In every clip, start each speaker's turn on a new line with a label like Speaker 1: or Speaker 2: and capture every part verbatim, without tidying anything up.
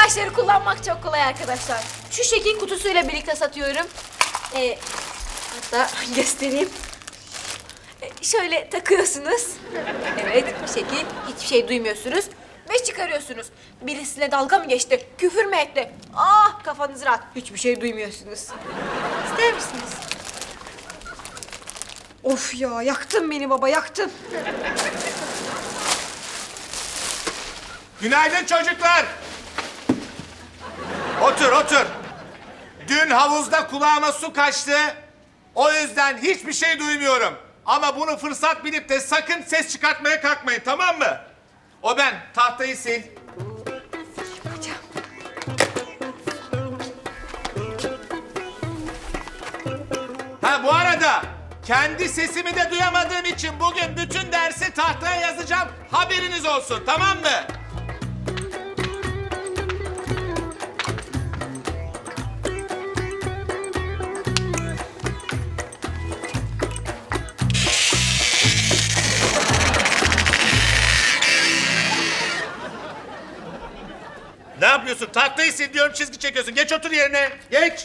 Speaker 1: ilaçları kullanmak çok kolay arkadaşlar. Şu şekil kutusuyla birlikte satıyorum. Ee, hatta göstereyim. Ee, şöyle takıyorsunuz. Evet, bu şekil. Hiçbir şey duymuyorsunuz. Ve çıkarıyorsunuz. Birisiyle dalga mı geçti? Küfür mü etti? Ah, kafanız rahat. Hiçbir şey duymuyorsunuz. İster misiniz? Of ya, yaktın beni baba, yaktın.
Speaker 2: Günaydın çocuklar. Otur, otur. Dün havuzda kulağıma su kaçtı. O yüzden hiçbir şey duymuyorum. Ama bunu fırsat bilip de sakın ses çıkartmaya kalkmayın, tamam mı? O ben. Tahtayı sil.
Speaker 1: Hocam.
Speaker 2: Ha bu arada kendi sesimi de duyamadığım için bugün bütün dersi tahtaya yazacağım. Haberiniz olsun, tamam mı? Ne yapıyorsun? Tahtayı sil diyorum, çizgi çekiyorsun. Geç otur yerine. Geç.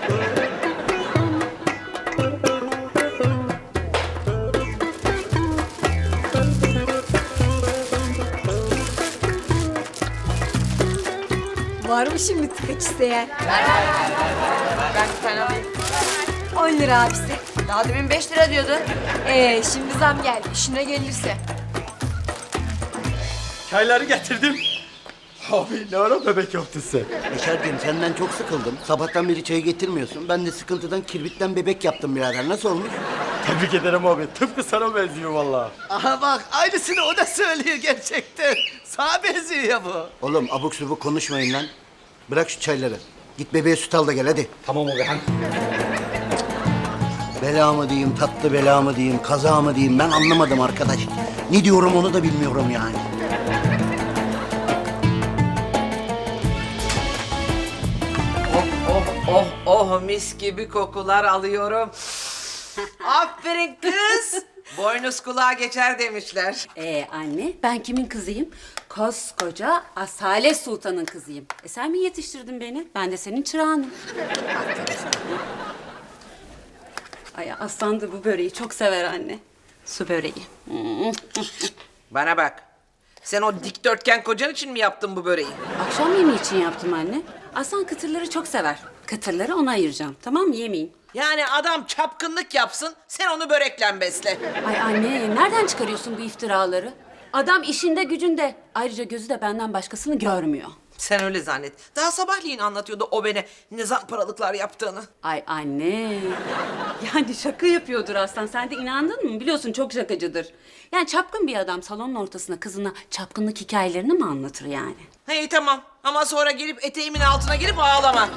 Speaker 1: Var mı şimdi tıkaç isteyen?
Speaker 3: Ben bir tane alayım.
Speaker 1: on lira abisi.
Speaker 3: Daha demin beş lira diyordu.
Speaker 1: Ee, şimdi zam geldi. İşine gelirse.
Speaker 4: Çayları getirdim. Abi ne ara bebek yaptın sen?
Speaker 5: Beşerciğim senden çok sıkıldım. Sabahtan beri çay getirmiyorsun. Ben de sıkıntıdan kirbitten bebek yaptım birader. Nasıl olmuş?
Speaker 4: Tebrik ederim abi. Tıpkı sana benziyor vallahi.
Speaker 6: Aha bak aynısını o da söylüyor gerçekten. Sana benziyor ya bu.
Speaker 5: Oğlum abuk subuk konuşmayın lan. Bırak şu çayları. Git bebeğe süt al da gel hadi.
Speaker 4: Tamam abi. Han.
Speaker 5: Bela mı diyeyim, tatlı bela mı diyeyim, kaza mı diyeyim ben anlamadım arkadaş. Ne diyorum onu da bilmiyorum yani.
Speaker 3: Oh oh oh oh mis gibi kokular alıyorum. Aferin kız. Boynuz kulağa geçer demişler.
Speaker 7: Ee anne, ben kimin kızıyım? Koskoca Asale Sultan'ın kızıyım. E sen mi yetiştirdin beni? Ben de senin çırağınım. Ay Aslan da bu böreği çok sever anne. Su böreği. Hmm.
Speaker 3: Bana bak. Sen o dikdörtgen kocan için mi yaptın bu böreği?
Speaker 7: Akşam yemeği için yaptım anne. Aslan kıtırları çok sever. Kıtırları ona ayıracağım. Tamam mı? Yemeyin.
Speaker 3: Yani adam çapkınlık yapsın, sen onu börekle besle.
Speaker 7: Ay anne, nereden çıkarıyorsun bu iftiraları? Adam işinde gücünde. Ayrıca gözü de benden başkasını görmüyor.
Speaker 3: Sen öyle zannet. Daha sabahleyin anlatıyordu o bana ne zamparalıklar yaptığını.
Speaker 7: Ay anne. Yani şaka yapıyordur Aslan. Sen de inandın mı? Biliyorsun çok şakacıdır. Yani çapkın bir adam salonun ortasına kızına çapkınlık hikayelerini mi anlatır yani?
Speaker 3: Hey tamam ama sonra gelip eteğimin altına girip ağlama.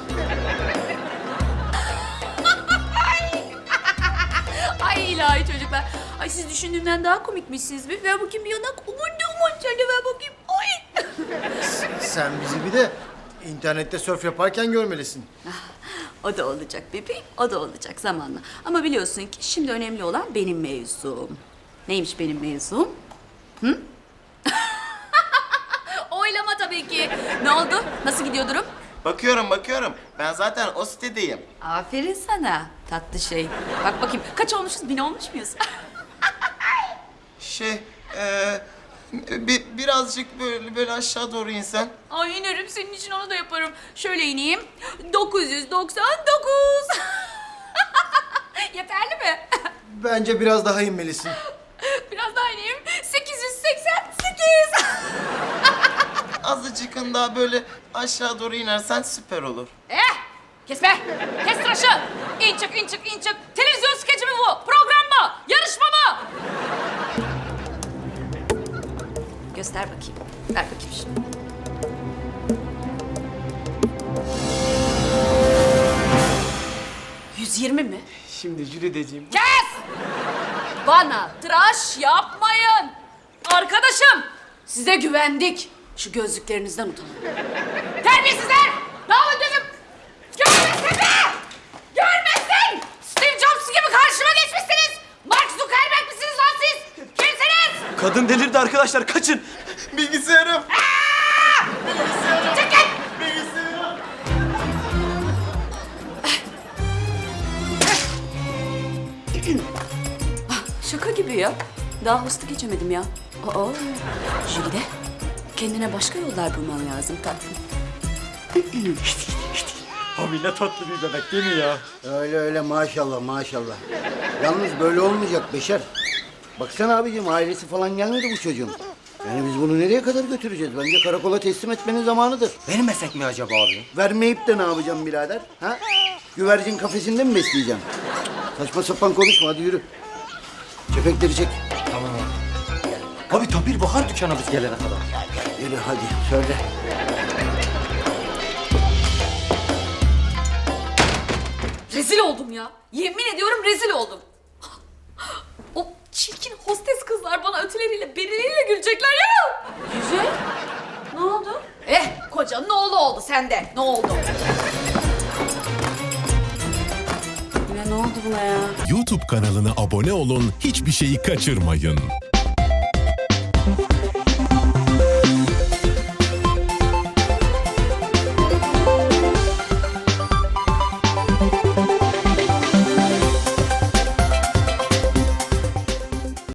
Speaker 8: Ay ilahi çocuklar. Ay siz düşündüğümden daha komikmişsiniz. Bir ver bakayım bir yanak. Aman ne aman şöyle ver bakayım. Ay.
Speaker 6: Sen bizi bir de internette sörf yaparken görmelisin.
Speaker 8: O da olacak bebeğim. O da olacak zamanla. Ama biliyorsun ki şimdi önemli olan benim mevzum. Neymiş benim mevzum? Hı? Oylama tabii ki. Ne oldu? Nasıl gidiyor durum?
Speaker 9: Bakıyorum bakıyorum. Ben zaten o sitedeyim.
Speaker 8: Aferin sana tatlı şey. Bak bakayım kaç olmuşuz? Bin olmuş muyuz?
Speaker 9: Şey, eee bir, birazcık böyle böyle aşağı doğru insen.
Speaker 8: Ay inerim senin için onu da yaparım. Şöyle ineyim. dokuz yüz doksan dokuz. Yeterli mi?
Speaker 6: Bence biraz daha inmelisin.
Speaker 8: Biraz daha ineyim. sekiz yüz seksen sekiz.
Speaker 9: Azıcık daha böyle aşağı doğru inersen süper olur.
Speaker 8: Eh! Kes be! Kes tıraşı! İn çık, in çık, in çık. Televizyon skeci mi bu? Program mı? Yarışma mı? Göster bakayım. Ver bakayım şunu. yüz yirmi mi?
Speaker 4: Şimdi Jürideciğim.
Speaker 8: Kes! Bana tıraş yapmayın. Arkadaşım, size güvendik. Şu gözlüklerinizden utanın. Terbiyesizler! Ne oldu gözüm? Görmesin be! Görmesin! Steve Jobs gibi karşıma geçmişsiniz. Mark Zuckerberg misiniz lan siz? Kimsiniz?
Speaker 4: Kadın delirdi arkadaşlar kaçın.
Speaker 9: Bilgisayarım.
Speaker 8: Çıkın!
Speaker 9: Bilgisayarım.
Speaker 8: Tabii ya. Daha hostuk geçemedim ya. Aa, Jülide. Kendine başka yollar bulman lazım tatlım.
Speaker 4: Abi ne tatlı bir bebek değil mi ya?
Speaker 5: Öyle öyle maşallah maşallah. Yalnız böyle olmayacak Beşer. Baksana abicim ailesi falan gelmedi bu çocuğun. Yani biz bunu nereye kadar götüreceğiz? Bence karakola teslim etmenin zamanıdır.
Speaker 4: Vermesek mi acaba abi?
Speaker 5: Vermeyip de ne yapacağım birader? Ha? Güvercin kafesinde mi besleyeceğim? Saçma sapan konuşma hadi yürü. Kepekleri çek.
Speaker 4: Tamam abi. Abi tam bir bakar dükkana biz gelene kadar.
Speaker 5: Yürü hadi söyle.
Speaker 8: Rezil oldum ya. Yemin ediyorum rezil oldum. O çirkin hostes kızlar bana ötüleriyle, berileriyle gülecekler ya.
Speaker 7: Güzel. Ne oldu?
Speaker 8: Eh, kocanın oğlu oldu sende. Ne oldu?
Speaker 7: Yine ne oldu buna ya?
Speaker 10: YouTube kanalına abone olun, hiçbir şeyi kaçırmayın.